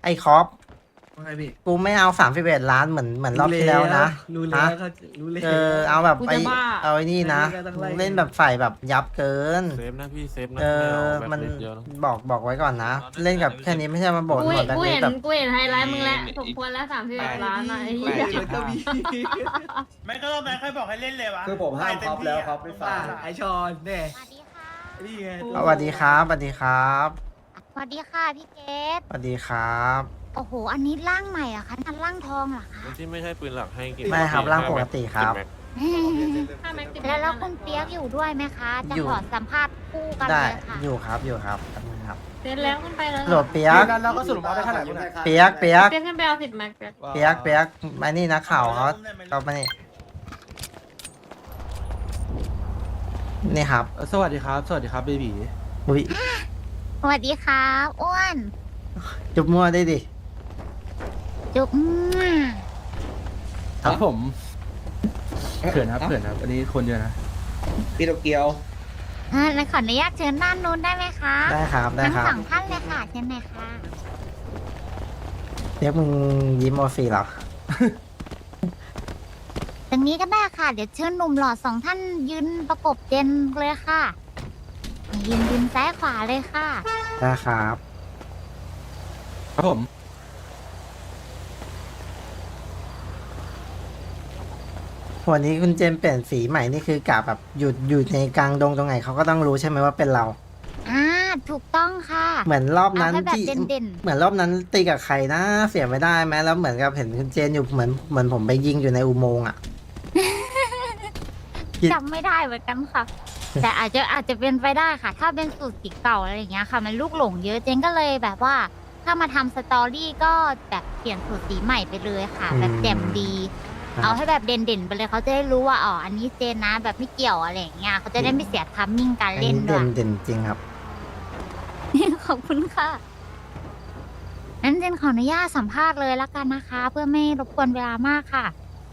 ไอ้คอปว่าไงพี่กูไม่เอา31 ล้านเหมือนรอบที่แล้วนะรู้แล้วฮะก็รู้แล้วเอาแบบกูไอ้จะบ้าเอาไอ้นี่นะไอ้นี่ก็ต้องไล่เล่นแบบฝ่ายแบบยับเกินเซฟนะพี่เซฟนะเออไเอามันแบ็คลิสต์เยอะนะบอกไว้ก่อนนะ เล่นกับแค่นี้ไม่ใช่มาบ่นกูหมเห็ดนแบบกูนี้เห็นแบบกูเห็นไฮไลท์มึงแล้วสมควรแล้ว31 ล้านอะไอ้เหี้ยมันก็มีไม่ก็รอบนั้นใครบอกให้เล่นเลยวะคือผมห้ามท็อปแล้วครับไม่ฟัอ่าง ไอชอนแน่สวัสดีค่ะนี่ไงสวัสดีครับสวัสดีครับสวัสดีค่ะพี่เกดสวัสดีครับโอ้โห อันนี้ร่างใหม่เหรอะคะนั่นร่างทองเหรอคะคนที่ไม่ใช่ปืนหลักให้กินไม่ครับร่างปกติครับถ้าแม็กติดแล้วคุณเปียกอยู่ด้วยไหมคะ จะอยู่ขอสัมภาษณ์คู่กันได้เลยค่ะอยู่ครับแป๊บนึงครับเสร็จแล้วขึ้นไปเลยโหลดเปียกกันแล้วก็สรุปเอาได้เท่าไหร่คุณเปียกเปียกขึ้นไปเอา10 แม็กเปียกเปียกมานี่นะข่าวเขามานี่ครับสวัสดีครับ สวัสดีครับเบบีอุ้ยสวัสดีครับอ้วนจุบมั่วได้ดิจุ๊บครับผมเขินครับอันนี้คนเยอะนะพี่โตเกียวแล้วขออนุญาตเชิญด้านนู้นได้ไหมคะได้ครับได้ทั้งครับสองท่านเลยค่ะเชิญหน่อยค่ะเปียกมึงยิ้มโอฟีเหรอตรงนี้ก็ได้ค่ะ เดี๋ยวเชิญหนุ่มหล่อสองท่านยืนประกบเจนเลยค่ะ ยืนซ้ายขวาเลยค่ะได้ครับครับผมวันนี้คุณเจมส์เปลี่ยนสีใหม่นี่คือกะแบบอยู่ในกลางดงตรงไหนเขาก็ต้องรู้ใช่ไหมว่าเป็นเราถูกต้องค่ะเหมือนรอบเอานั้นให้แบบที่เด่นเหมือนรอบนั้นตีกับใครนะเสียไม่ได้ไหมแล้วเหมือนกับเห็นคุณเจนอยู่เหมือนผมไปยิงอยู่ในอุโมงค์อ่ะ คิดๆจำไม่ได้เหมือนกันค่ะ แต่อาจจะเป็นไปได้ค่ะ ถ้าเป็นสูตรสีเก่าอะไรอย่างเงี้ยค่ะ มันลูกหลงเยอะเจนก็เลยแบบว่า ถ้ามาทำสตอรี่ก็แบบเปลี่ยนสูตรสีใหม่ไปเลยค่ะ แบบแจ่มดี เอาให้แบบเด่นๆไปเลยเขาจะได้รู้ว่าอ๋ออันนี้เจนนะ แบบไม่เกี่ยวอะไรอย่างเงี้ยเขาจะได้ไม่เสียทัมมิ่งการอันเล่นนี้ด้วยเด่นจริงครับขอบคุณค่ะงั้นเจนขออนุญาตสัมภาษณ์เลยละกันนะคะ เพื่อไม่รบกวนเวลามากค่ะ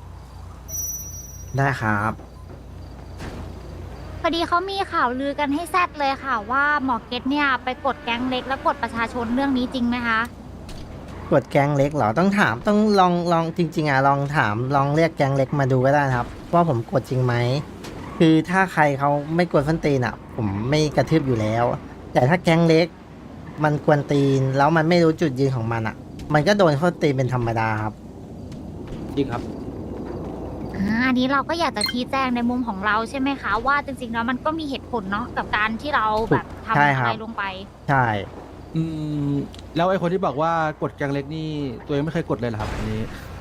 ได้ครับพอดีเขามีข่าวลือกันให้แซดเลยค่ะ ว่าหมอเก็ตเนี่ยไปกดแก๊งเล็กแล้วกดประชาชนเรื่องนี้จริงไหมคะกดแกงเล็กเหรอต้องถามต้องลองจริงๆอ่ะลองถามลองเรียกแกงเล็กมาดูก็ได้นะครับ ว่าผมกดจริงไหมคือถ้าใครเขาไม่กวนฟันตีนอ่ะ ผมไม่กระทืบอยู่แล้ว แต่ถ้าแกงเล็ก มันกวนตีนแล้วมันไม่รู้จุดยืนของมันอ่ะ มันก็โดนเขาตีเป็นธรรมดาครับจริงครับอันนี้เราก็อยากจะชี้แจงในมุมของเราใช่ไหมคะ ว่าจริงๆแล้วมันก็มีเหตุผลเนาะกับการที่เราแบบทำใช่อะครัไรบลงไปใช่แล้วไอ้คนที่บอกว่ากดแกงเล็กนี่ตัวเองไม่เคยกดเลยเหรอครับอันนี้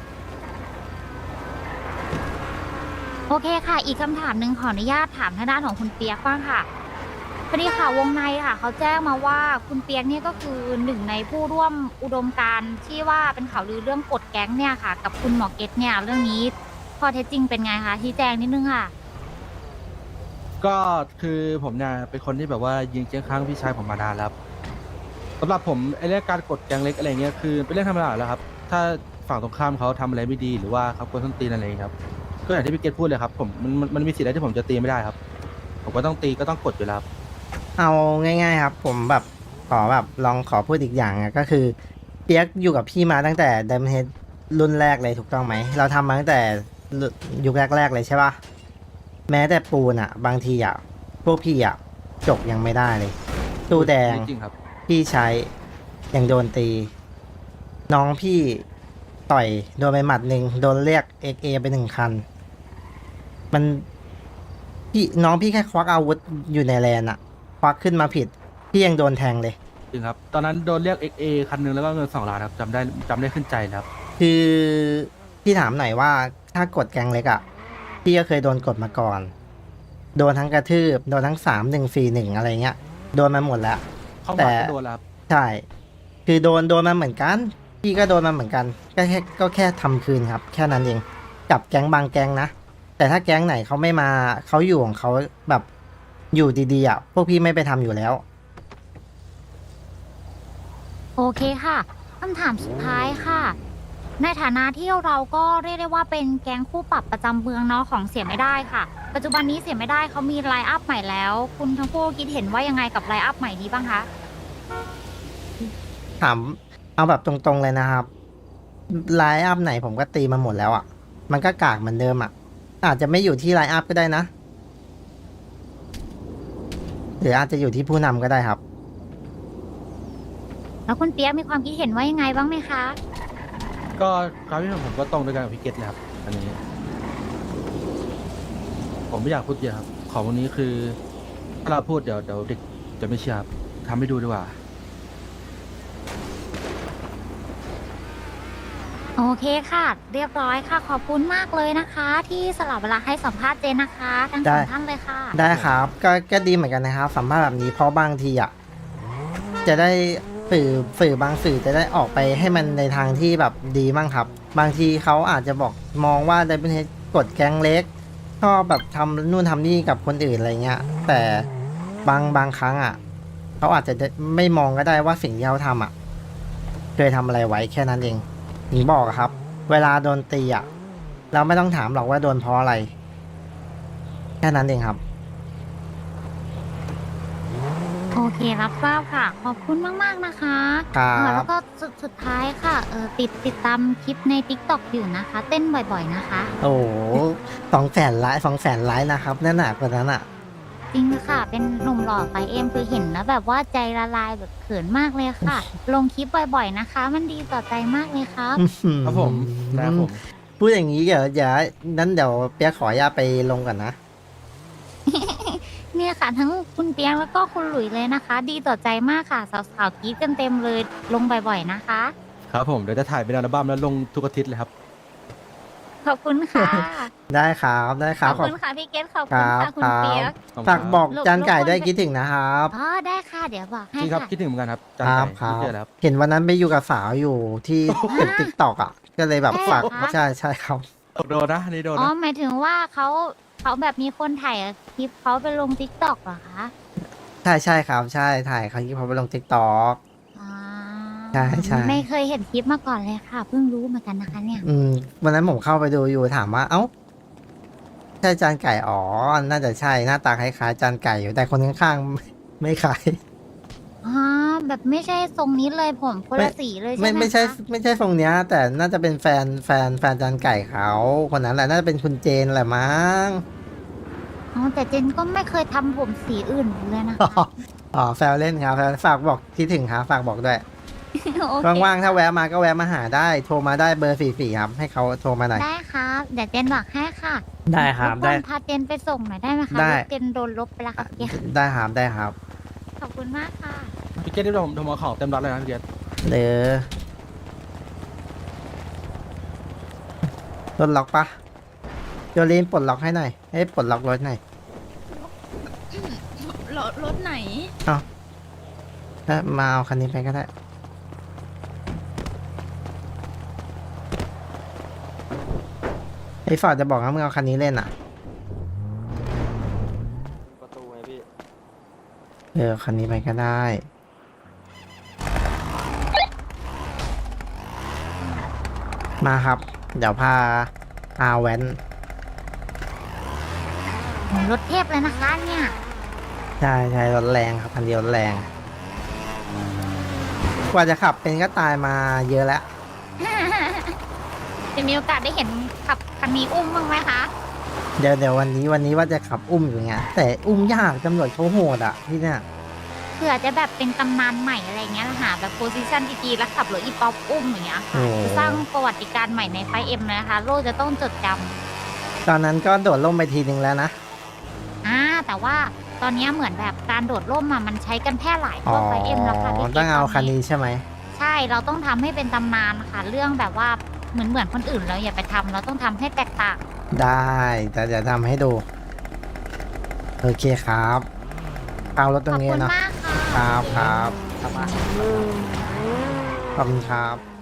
โอเคค่ะ อีกคำถามหนึ่งขออนุญาตถามทางด้านของคุณเปียกบ้างค่ะพอดีค่ะวงในค่ะ เขาแจ้งมาว่าคุณเปียกเนี่ยก็คือหนึ่งในผู้ร่วมอุดมการณ์ที่ว่าเป็นข่าวลือเรื่องกดแก๊งเนี่ยค่ะ กับคุณหมอเก็ตเนี่ยเรื่องนี้ข้อเท็จจริงเป็นไงคะชี้แจงนิดนึงค่ะก็คือผมเนี่ยเป็นคนที่แบบว่ายิงเจียงค้างพี่ชายผมมานานแล้วครับสำหรับผมไอ้เรื่องการกดแกงเล็กอะไรเงี้ยคือเป็นเรื่องธรรมดาแล้วครับ ถ้าฝั่งตรงข้ามเขาทำอะไรไม่ดีหรือว่าเขากวนส้นตีนอะไรครับก็อย่างที่พี่เกตพูดเลยครับผมมันมีสิทธิ์อะไรที่ผมจะตีไม่ได้ครับ ผมก็ต้องตีก็ต้องกดอยู่แล้วครับเอาง่ายๆครับ ผมแบบขอแบบลองขอพูดอีกอย่างอะก็คือเปียกอยู่กับพี่มาตั้งแต่ไดมอนด์เฮดรุ่นแรกเลยถูกต้องไหมเราทำมาตั้งแต่ยุคแรกๆเลยใช่ปะแม้แต่ปูนอะบางทีอะพวกพี่อะจกยังไม่ได้เลยตู้แดงจริงครับพี่ใช้ยังโดนตี น้องพี่ต่อยโดนไปหมัดหนึ่งโดนเรียกXAไป1 คัน มันพี่น้องพี่แค่ควักอาวุธอยู่ในแลนอะควักขึ้นมาผิด พี่ยังโดนแทงเลยจริงครับ ตอนนั้นโดนเรียก XA คันหนึงแล้วก็เงิน2 ล้านครับจำได้ขึ้นใจแล้วครับคือพี่ถามหน่อยว่าถ้ากดแกงเล็กอะพี่ก็เคยโดนกดมาก่อน โดนทั้งกระทืบโดนทั้ง3-1-4-1อะไรเงี้ยโดนมาหมดแล้วเข้าแต่มาก็โดนแล้วครับใช่ คือโดนมาเหมือนกัน พี่ก็โดนมาเหมือนกัน ก็แค่ทำคืนครับ แค่นั้นเอง กับแก๊งบางแก๊งนะ แต่ถ้าแก๊งไหนเขาไม่มาเขาอยู่ของเขาแบบอยู่ดีๆอ่ะ พวกพี่ไม่ไปทำอยู่แล้วโอเคค่ะคำถามสุดท้ายค่ะ ในฐานะที่เราก็เรียกได้ว่าเป็นแก๊งคู่ปรับประจำเมืองเนาะของเสียไม่ได้ค่ะ ปัจจุบันนี้เสียไม่ได้เขามีไลน์อัพใหม่แล้ว คุณทั้งคู่คิดเห็นว่ายังไงกับไลน์อัพใหม่นี้บ้างคะถามเอาแบบตรงๆเลยนะครับไลน์อัพไหนผมก็ตีมาหมดแล้วอ่ะมันก็กากเหมือนเดิมอ่ะอาจจะไม่อยู่ที่ไลน์อัพก็ได้นะหรืออาจจะอยู่ที่ผู้นำก็ได้ครับแล้วคุณเปียกมีความคิดเห็นว่ายังไงบ้างไหมคะก็ความคิดเห็นผมก็ตรงด้วยกันกับพี่เกตเลยครับ อันนี้ ผมไม่อยากพูดเยอะครับ ของวันนี้คือถ้าเราพูดเดี๋ยวเด็กจะไม่เชื่อครับทำให้ดูดีกว่าโอเคค่ะ เรียบร้อยค่ะ ขอบคุณมากเลยนะคะ ที่สลับเวลาให้สัมภาษณ์เจนนะคะทั้งสองท่านเลยค่ะได้ครับก็ดีเหมือนกันนะครับสัมภาษณ์แบบนี้เพราะบางทีอ่ะจะได้สื่อบางสื่อจะได้ออกไปให้มันในทางที่แบบดีมั่งครับ บางทีเขาอาจจะบอกมองว่าไดเป็นกดแก๊งเล็กชอบแบบทำนู่นทำนี่กับคนอื่นอะไรเงี้ยแต่บางครั้งอ่ะเขาอาจจะไม่มองก็ได้ว่าสิ่งที่เขาทำอ่ะเคยทำอะไรไว้แค่นั้นเองหนีบอกอะครับ เวลาโดนตีอ่ะเราไม่ต้องถามหรอกว่าโดนเพราะอะไรแค่นั้นเองครับโอเครับทราบค่ะ ขอบคุณมากๆนะคะครับแล้วก็สุดท้ายค่ะติดตามคลิปใน TikTok อยู่นะคะ เต้นบ่อยๆนะคะโอ้โห200,000 ไลค์นะครับนั่นหนักกว่านั้นอ่ะจริงค่ะ เป็นหนุ่มหล่อไฟเอ็มคือเห็นแล้วแบบว่าใจละลายแบบเขินมากเลยค่ะ ลงคลิปบ่อยๆนะคะ มันดีต่อใจมากเลยครับครับผมนะครับผมพูดอย่างนี้เดี๋ยวนั้นเดี๋ยวเปียกขออนุญาตไปลงก่อนนะเนี่ยค่ะ ทั้งคุณเปียงแล้วก็คุณหลุยเลยนะคะ ดีต่อใจมากค่ะสาวๆกรี๊ดกันเต็มเลยลงบ่อยๆนะคะครับผมเดี๋ยวจะถ่ายเป็นอัลบั้มแล้วลงทุกอาทิตย์เลยครับขอบคุณค่ะได้ครับได้คขรัอบบคุณค่ะพี่เกตขอบคุณค่ะคุณเปียกขอบคุณฝากบอกครับจานไก่ด้วยคิดถึงนะครับอ๋อได้ค่ะเดี๋ยวบอกให้จริงครับค่ะคิดถึงเหมือนกันครับจานครับไก่ครับที่เจอแล้วครับเห็นวันนั้นไปอยู่กับสาวอยู่ที่ตึกติ๊กตอกอ่ะ ก็เลยแบบฝากใช่เหรอคะใช่ครับโดนนะอันนี่โดนอ๋อนะหมายถึงว่าเขาแบบมีคนถ่ายคลิปเขาไปลงทิกตอกเหรอคะใช่ครับใช่ถ่ายครั้งที่พอไปลงติ๊กตอกอ๋อใช่ไม่เคยเห็นคลิปมาก่อนเลยค่ะ เพิ่งรู้เหมือนกันนะคะเนี่ยวันนั้นผมเข้าไปดูอยู่ถามว่าเอ้าใช่จานไก่อ๋อน่าจะใช่หน้าตาคล้ายๆจานไก่อยู่แต่คนข้างๆไม่คล้ายอ๋อแบบไม่ใช่ทรงนี้เลยผมคนละสีเลยใช่ไหมไม่ใช่คะไม่ใช่ทรงเนี้ย แต่น่าจะเป็นแฟนจานไก่เขาคนนั้นแหละน่าจะเป็นคุณเจนแหละมั้งอ๋อแต่เจนก็ไม่เคยทำผมสีอื่นเลยนะคะอ๋อแฟนเล่นครับฝากบอกคิดถึงครับฝากบอกด้วยโอเคว่างๆถ้าแวะมาก็แวะมาหาได้โทรมาได้เบอร์44ครับให้เขาโทรมาหน่อยได้ครับเดี๋ยวเจนบอกให้ค่ะได้ครับรบกวนพาเจนไปส่งหน่อยได้ไหมคะได้รถเจนโดนลบไปแล้วค่ะเกียได้ครับได้ครับขอบคุณมากค่ะพี่เกตที่ผมเอาของเต็มรัดเลยนะพี่เกตเด้อรถล็อกปะโยลีนปลดล็อกให้หน่อยให้ปลดล็อกรถหน่อยรถไหนถ้ามาเอาคันนี้ไปก็ได้ไอ้ฟอร์ดจะบอกว่ามึงเอาคันนี้เล่นอ่ะประตูไงพี่คันนี้ไปก็ได้ มาครับ เดี๋ยวพาอาแวนรถเทพเลยนะคะเนี่ยใช่รถแรงครับคันเดียวรถแรง กว่าจะขับเป็นก็ตายมาเยอะแล้วจะมีโอกาสได้เห็นขับคันนี้อุ้มบ้างไหมคะเดี๋ยววันนี้ว่าจะขับอุ้มอยู่ไงแต่อุ้มยากตำรวจเขาโหดอ่ะที่เนี่ยเผื่อจะแบบเป็นตำนานใหม่อะไรเงี้ยหาแบบโพซิชันดีๆแล้วขับรถอีป๊อปอุ้มอย่างเงี้ยค่ะจะสร้างประวัติการณ์ใหม่ในไฟเอ็มเลยนะคะ โลกจะต้องจดจำตอนนั้นก็โดดล่มไปทีนึงแล้วนะแต่ว่าตอนนี้เหมือนแบบการโดดร่มมันใช้กันแพร่หลายอ๋ทั่อวไฟเอ็มแล้วค่ะพี่ต้องเอาตคันนี้ใช่ไหมใช่เราต้องทำให้เป็นตำนานค่ะ เรื่องแบบว่าเหมือนคนอื่นเราอย่าไปทำเราต้องทำให้แตกต่างได้แต่เดี๋ยวทำให้ดู โอเคครับเอารถตขรอบงนี้คุณเนาะมากค่ะครับขอบคุณครับ